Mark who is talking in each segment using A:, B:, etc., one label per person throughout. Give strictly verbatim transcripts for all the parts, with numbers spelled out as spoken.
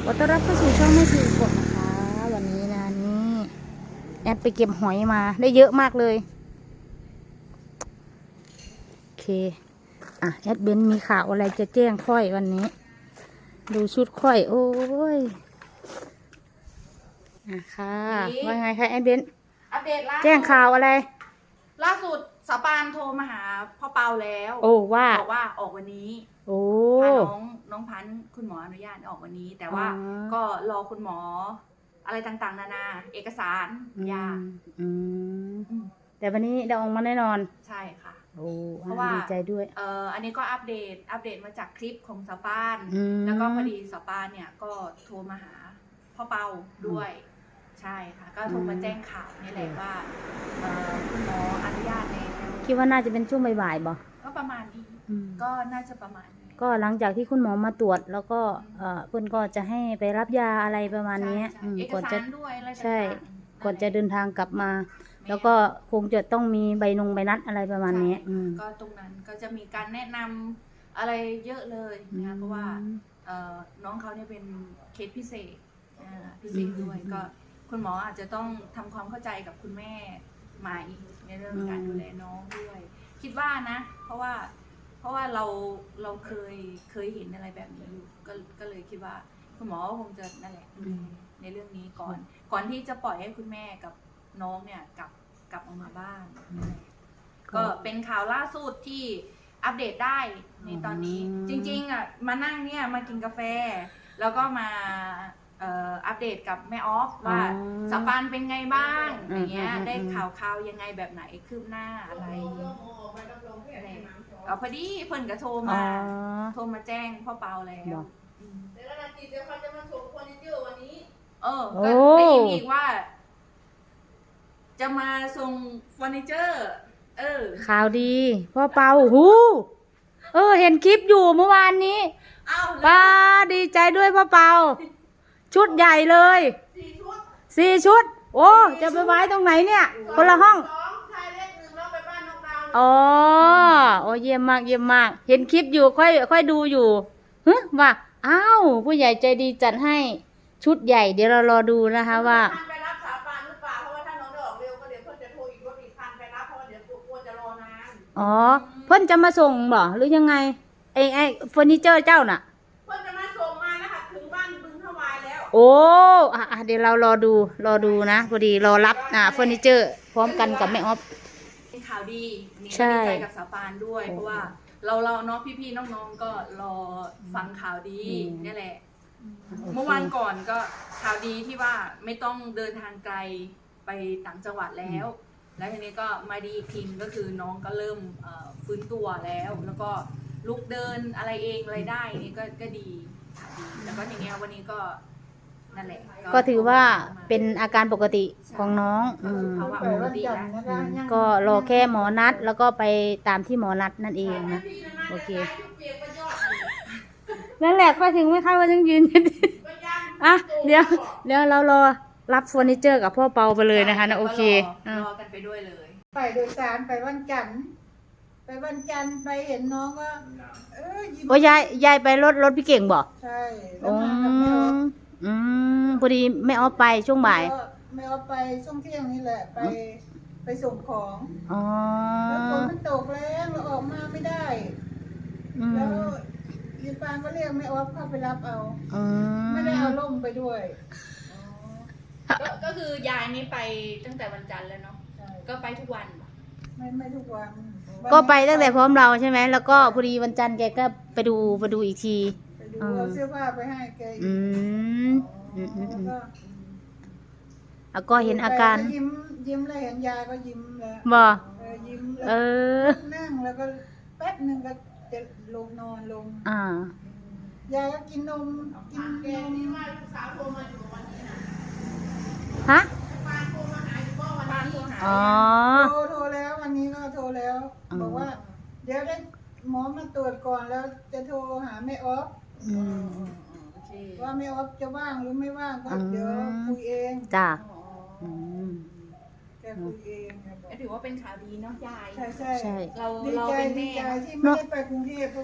A: ขอต้อนรับเข้าสู่ช่องแม่ชีกดนะคะวันนี้นะนี่แอดไปเก็บหอยมาได้เยอะมากเลยโอเคอ่ะแอดเบนมีข่าวอะไรจะแจ้งค่อยวันนี้ดูชุดค่อยโอ้ยอ่ะค่ะว่าไงคะแอดเบน
B: อัปเดตล่าสุด
A: แจ้งข่าวอะไร
B: ล่าสุดสปานโทรมาหาพ่อเปาแล้ว
A: โอ้ว่า
B: บอกว่าออกวันนี้
A: โอ้
B: พาน้องน้องพันธุ์คุณหมออนุญาตออกวันนี้ แต่ว่าก็รอคุณหมออะไรต่างๆนานาเอกสารยา
A: อืมแต่วันนี้ได้ออกมาแน่นอน
B: ใช่ค่ะ
A: โอ้เพราะว่าดีใจด้วย
B: เอ่ออันนี้ก็อัปเดตอัปเดตมาจากคลิปของสปานแล้วก็พอดีสปานเนี่ยก็โทรมาหาพ่อเปาด้วยใช่ค่ะก็โทรมาแจ้งข่าวนี่แหละว่าคุณหมออนุญาตแล้ว
A: คิดว่าน่าจะเป็นช่วงบ่ายๆบ่
B: ก็ประมาณนี้ก็น่าจะประมาณนี้
A: ก็หลังจากที่คุณหมอมาตรวจแล้วก็เอ่อเพื่อนก็จะให้ไปรับยาอะไรประมาณนี้ก่อนจะใช่ก่อนจะเดินทางกลับมาแล้วก็คงจะต้องมีใบนงใบนัดอะไรประมาณนี้
B: ก็ตรงนั้นก็จะมีการแนะนำอะไรเยอะเลยนะคะเพราะว่าน้องเขาเนี่ยเป็นเคสพิเศษพิเศษด้วยก็คุณหมออาจจะต้องทำความเข้าใจกับคุณแม่ใหม่ในเรื่องการดูแลน้องด้วยคิดว่านะเพราะว่าเพราะว่าเราเราเคยเคยเห็นอะไรแบบนี้อยู่ก็ก็เลยคิดว่าคุณหมอคงจะนั่นแหละดูแลในเรื่องนี้ก่อนก่อนที่จะปล่อยให้คุณแม่กับน้องเนี่ยกลับกลับออกมาบ้านก็เป็นข่าวล่าสุดที่อัปเดตได้ในตอนนี้จริงๆอ่ะมานั่งเนี่ยมากินกาแฟแล้วก็มาอัปเดตกับแม่ออฟว่าสปานเป็นไงบ้างอย่างเงี้ยได้ข่าวข่าวยังไงแบบไหนคืบหน้าอะไรเอาพอดีเพิ่นก็โทรมาโทรมาแจ้งพ่อเปาแล้วแล้วนาทีเดี๋ยวเขาจะมาส่งเฟอร์นิเจอร์วันนี้เออก็ได้ยินอีกว่าจะมาส่งเฟอร์นิเจอร์เออ
A: ข่าวดีพ่อเปาหูเออเห็นคลิปอยู่เมื่อวานนี้ป้าดีใจด้วยพ่อเปาชุดใหญ่เลยสี่ชุดสี่ชุดโอ้จะไปไว้ตรงไหนเนี่ยคนละห้องอ๋อโอ้เยี่ยมมากเยี่ยมมากเห็นคลิปอยู่ค่อยค่อยดูอยู่ฮึว่าอ้าวผู้ใหญ่ใจดีจัดให้ชุดใหญ่เดี๋ยวเรารอดูนะคะว่า
B: ไปรับสาปานหรือเปล่าเพราะว่าถ้าน้องได้ออกเร็วก็เดี๋ยวเพื่อนจะโทรอีกรถอีกคันไปรับเพราะว่าเดี๋ยวกลัวจะรอนาน
A: อ๋อเพื่อนจะมาส่งบ่หรือยังไงไอ้ไอ้เฟอร์นิเจอร์เจ้าน่ะ
B: เพื่อนจะมาส่งมานะคะถึงบ้านบึงทวายแล้ว
A: โอ้อ่ะเดี๋ยวเรารอดูรอดูนะพอดีรอรับอ่าเฟอร์นิเจอร์พร้อมกันกับแม่ออฟ
B: เป็นข่าวดีนี่ดีใจกับสาปานด้วยเพราะว่าเราเราเนาะพี่ๆน้องๆก็รอฟังข่าวดีนี่แหละเมื่อวานก่อนก็ข่าวดีที่ว่าไม่ต้องเดินทางไกลไปต่างจังหวัดแล้วแล้วทีนี้ก็มาดีอีกทีก็คือน้องก็เริ่มฟื้นตัวแล้วแล้วก็ลุกเดินอะไรเองอะไรได้นี่ก็ก็ดีแล้วก็ทีนี้วันนี้ก็นั่นแหละ
A: ก็ถือว่าเป็นอาการปกติของน้อง
B: ภาวะปกติแล้ว
A: ก็รอแค่หมอนัดแล้วก็ไปตามที่หมอนัดนั่นเองนะโอเคนั่นแหละค่อยถึงไม่เข้าว่ายังยืนอ่ะเดี๋ยวเดี๋ยวเรารอรับเฟอร์นิเจอร์กับพ่อเปาไปเลยนะคะนะโอเค
B: รอกันไปด้วยเลย
C: ไปโดยสารไปวันจันทร์ไปวันจันทร์ไปเห็นน้องก็เออยิ้ม
A: โอ้ยายยายไปรถรถพี่เก่งบอก
C: ใช่แล้วมากับแม่ออฟ
A: อืมพอดีแม่ออฟไปช่วงบ่าย
C: แม่ออฟไปช่วงเที่ยงนี่แหละไปไปส่งของ
A: อ๋อ
C: แล้วฝนมันตกแรงเราออกมาไม่ได้แล้วยีปานก็เรียกแม่ออฟเข้าไปรับเอาไม่ได้เอาล่มไปด้วย
B: ก็คือยายนี่ไปตั้งแต่วันจันทร์แล้วเนาะก็ไปทุกวัน
C: ไม่ไม่ทุกวัน
A: ก็ไปตั้งแต่พร้อมเราใช่ไหมแล้วก็พอดีวันจันทร์แกก็ไปดูไปดูอีกที
C: ไปดูเอาเสื้อผ้าไปให้แก
A: อืมอืมอืมแล้วก็เห็นอาการ
C: ยิ้มยิ้มเลยเห็นยายก็ยิ้มแล้ว
A: บ่
C: ยิ้ม
A: เออ
C: นั่งแล้วก็แป๊บนึงก็จะลงนอนลง
A: อ่าย
C: ายก็กินนมกินแกนี่ว่าลูกสาวโทรมาอยู่วันนี้นะ
A: ฮะ
C: ปานโทรมาหาอยู่ก็วันนี้
A: อ๋อ
C: โทรโทรแล้ววันนี้ก็โทรแล้วบอกว่าเดี๋ยวได้หมอมาตรวจก่อนแล้วจะโทรหาแม่ออฟว่าแม่ออฟจะว่างหรือไม่ว่างก็เดี๋ยวคุยเอง
A: จ้า
C: แกคุยเอง
B: ถือว่าเป็นข่าวดีเนาะยาย
C: ใช่ใช่
B: เรา
C: เราเป็นแม่ที่ไม่ได้ไปกรุงเทพเพราะว่า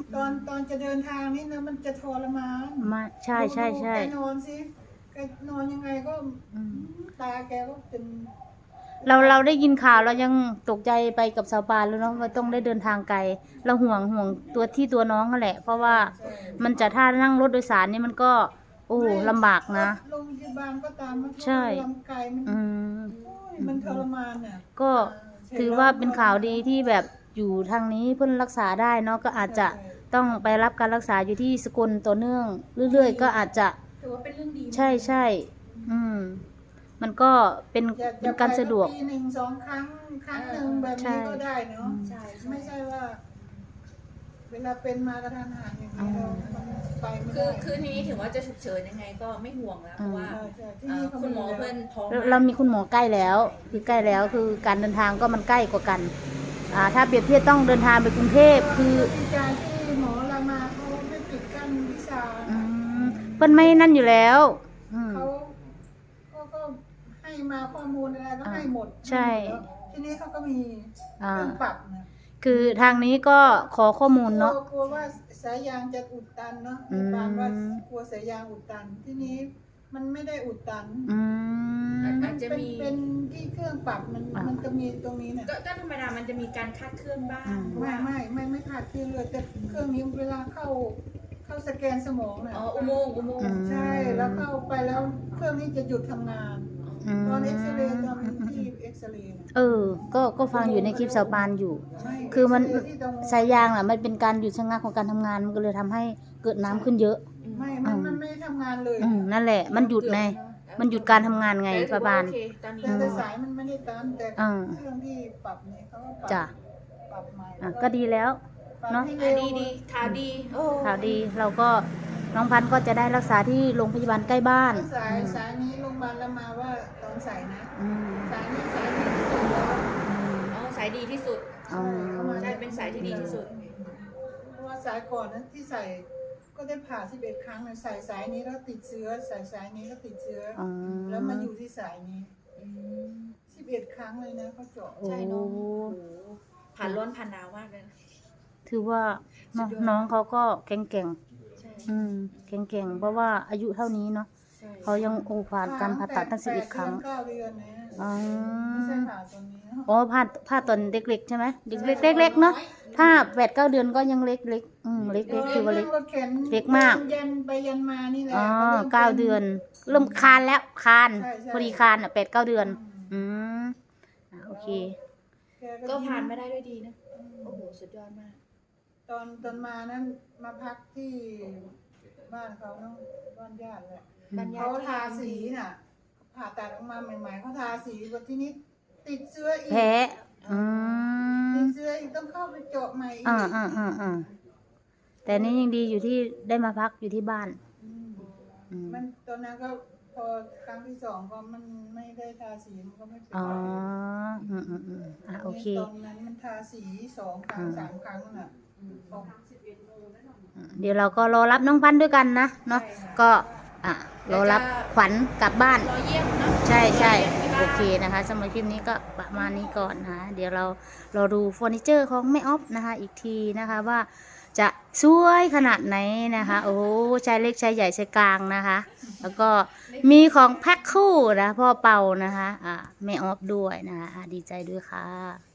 C: ตอนตอนจะเดินทางนี่นะมันจะทรมาน
A: มาใช่ใช่ใช่
C: ดูแกนอนสิแกนอนยังไงก็
A: อืม
C: ตาแกก็เป็น
A: เราเราได้ยินข่าวเรายังตกใจไปกับสาวปานแล้วเนาะว่าต้องได้เดินทางไกลเราห่วงห่วงตัวที่ตัวน้องนั่นแหละ เพราะว่ามันจะถ้านั่งรถโดยสารนี่มันก็ โอ้ลำบากนะ
C: โรงพยาบาลก็ตามมัน
A: ใช่
C: ลำไกลมัน
A: อืม
C: โอ้ยมันทรมานน่ะ
A: ก็ถือว่าเป็นข่าวดีที่แบบอยู่ทางนี้เพิ่นรักษาได้เนาะก็อาจจะต้องไปรับการรักษาอยู่ที่สกลต่อเนื่อง เรื่อยๆ ก็อาจจะ
B: ถือว่าเป็นเรื่องดี
A: ใช่ใช่อืม มันก็เป็น
C: อย่า
A: เป็นการสะดวก
C: ปีหนึ่งสองครั้งครั้งหนึ่งแบบนี้ก็ได้เนาะ
B: ใช่ใช่
C: ไม่ใช่ว่า เวลาเป็นมากระทันหันอย่างนี้เรามันไปไม่
B: คื
C: ได้
B: อคือทีนี้ถึงว่าจะฉุกเฉินยังไงก็ไม่ห่วงแล้วเพราะว่า
C: ใช่ใช่ที่
B: เอ่
C: นี่
B: อ
C: เขา
B: คุณหมอ
C: แล้ว
B: เพื่อนท้อง
A: เราเรามีคุณหมอใกล้แล้ว คือใกล้แล้วคือการเดินทางก็มันใกล้กว่ากัน อ่า ถ้าเปรียบเทียบต้องเดินทางไปกรุงเทพคือ
C: ดีใจที่หมอรามาเขาไม่ปิดกั้นวิชา
A: อืมเพิ่นไม่นั่นอยู่แล้ว อืม
C: เขาเขาก็ให้มาข้อมูลอะไรก็ให้หมด
A: ใช่
C: แล้วทีนี้เขาก็มีเค
A: อ่า
C: รื่องปรับนะ
A: คือทางนี้ก็ขอข้อมูลเนาะ
C: กลัวกลัวว่าสายยางจะอุดตันเนาะ
A: อืม
C: บางว่ากลัวสายยางอุดตัน ทีนี้มันไม่ได้อุดตัน
A: อืม
B: อาจจะ
C: เป็น
B: มี
C: เป็นที่เครื่องปรับมัน
A: อ่ามั
C: มันจะมีตรงนี้เนี่ย
B: ก็ก็ธรรมดามันจะมีการคาดเคลื่อนบ้าง
A: อืม
C: ไม่ไม่ไม่ไม่ขาดเครื่องเลยแต่เครื่องนี้เวลาเข้าเข้าสแกนสมองเนี่ย
B: อ๋ออุโมงค์อุโมงค์
C: ใช่แล้วเข้าไปแล้วเครื่องนี้จะหยุดทำงาน
A: ม
C: ตอนเอ็กซเรย์ตอนที่เอ็กซเรย์
A: เออ ก็ก็ฟังอยู่ในคลิปสาวปานอยู่
C: ใช่
A: คือมัน
C: เอ็กซเรย์ที่ตรง
A: สายยางอ่ะมันเป็นการหยุดชะงักของการทำงานมันก็เลยทำให้เกิดน้ำขึ้นเยอะ
C: ไม่มันมันไม่ได้ทำงานเลย
A: อืมนั่นแหละ มันหยุดไง มันหยุดการทำงานไง
B: แต่ถื
A: ป้า
B: อว่
A: บาน
B: โอเคตอนนี้
C: แต่แต่สายมันไม่ได้ตันแต่
A: อ่า
C: เครื่องที่ปรับเนี่ยเขาก็ปรับ
A: จ้ะ
C: ปรับใหม่
A: อ่ะก็ดีแล้ว
C: ปรับ
A: เนาะ
C: ให้
B: อ่ะ
C: เร็ว
B: ดีดีข่าวดีโอ้
A: ข่าวดีเราก็น้องพันธุ์ก็จะได้รักษาที่โรงพยาบาลใกล้บ้าน
C: สายสายนี้โรงพยาบาลละมาว่าตอนสายนะ
A: อืม
C: สายนี้สายนี้ที่สุดแล้ว
B: อ๋อสายดีที่สุด
A: อ๋อ
B: ใช่เป็นสายที่ดีที่สุด
C: เพราะว่าสายก่อนนั้นที่ใส่ก็ได้ผ่าสิบเอ็ดครั้งนะใส่สายนี้แล้วติดเชื้อใส่สายนี้ก็ติดเชื้ออ
A: อ๋อ
C: แล้วมาอยู่ที่สายนี้
B: อืม
C: สิบเอ็ดครั้งเลยนะเขาเจาะ
A: โอ้
B: ใช่เน้องผ่านร้อนผ่านหนาวมากเลยนะ
A: ถือว่าน้อง
B: สุดยอด
A: น้องเขาก็แข็งแกร่ง
B: ใช่
A: อืมแข็งแกร่งเพราะว่าอายุเท่านี้เนาะ
B: ใช่
A: เขายังโอ้ผ่านการผ่าตัดตั้งสิบเอ็ดครั้ง
C: เก้าเดือนนะ
A: อ๋อ
C: ไม่ใช่ผ่าตอนนี้เนอะ
A: อ๋อผ่าผ่าตอนเด็กๆใช่ไหมเด็กเล็กเล็กๆเนาะถ้าแปดเก้าเดือนก็ยังเล็กเล็กอืมเล็กเล็กคือว่าเล็ก
C: รถข็น
A: เล็กมาก
C: ยันไปยันมานี่แหละ
A: อ๋อ
C: ริ่ม
A: เก้าเดือน เริ่มคานแล้วคาน
C: ใช่ใช่
A: พอดีคานอ่ะแปดเก้าเดือน อืมอ่ะโอเค
C: แก
B: ก็
C: ยิ้
B: ผ่านมาได้ด้วยดีนะ โอ้โห สุดยอดมาก
C: ตอนตอนมานั้นมาพักที่บ้านเขาเนาะบ้านญาติแหละ
B: บ้านญา
C: เขา
B: ติ
C: ทาสีน่ะ ผ่าตัดออกมาใหม่ๆเขาทาสีวันที่นี้ติดเชื้ออีก
A: แพ้อืม
C: ติดเชื้ออีกต้องเข้าไปเจาะใหม่อีก
A: อ่าอ่าอ่าอ่าแต่นี่ยังดีอยู่ที่ได้มาพักอยู่ที่บ้าน
C: อืม
A: อืม
C: มันตอนนั้นก็พอครั้งที่สองก็มันไม่ได้ทาสีมันก็ไม่เป็น
A: อ๋อ
C: ไร
A: อืมอืมอืมอ่ะโอเค
C: ตอนนั้นมันทาสีสองครั้ง
A: อืม
C: สามครั้งน่ะออก
A: เดี๋ยวเราก็รอรับน้องพันธุ์ด้วยกันนะเนาะ
B: ใช่ค่ะ
A: ก็อ่ะรอรับขวัญกลับบ้าน
B: รอเยี่ยมเนาะ
A: ใช่ใช่
B: รอยี่ยมที่บ้าน
A: โอเคนะคะสำหรับคลิปนี้ก็ประมาณนี้ก่อนนะคะเดี๋ยวเราเราดูเฟอร์นิเจอร์ของแม่ออฟนะคะ อีกทีนะคะว่าจะสวยขนาดไหนนะคะ โอ้ใช้เล็กใช้ใหญ่ใช้กลางนะคะ แล้วก็มีของแพ็คคู่นะพ่อเป่านะคะอ่าแม่ออฟด้วยนะคะอ่ะดีใจด้วยค่ะ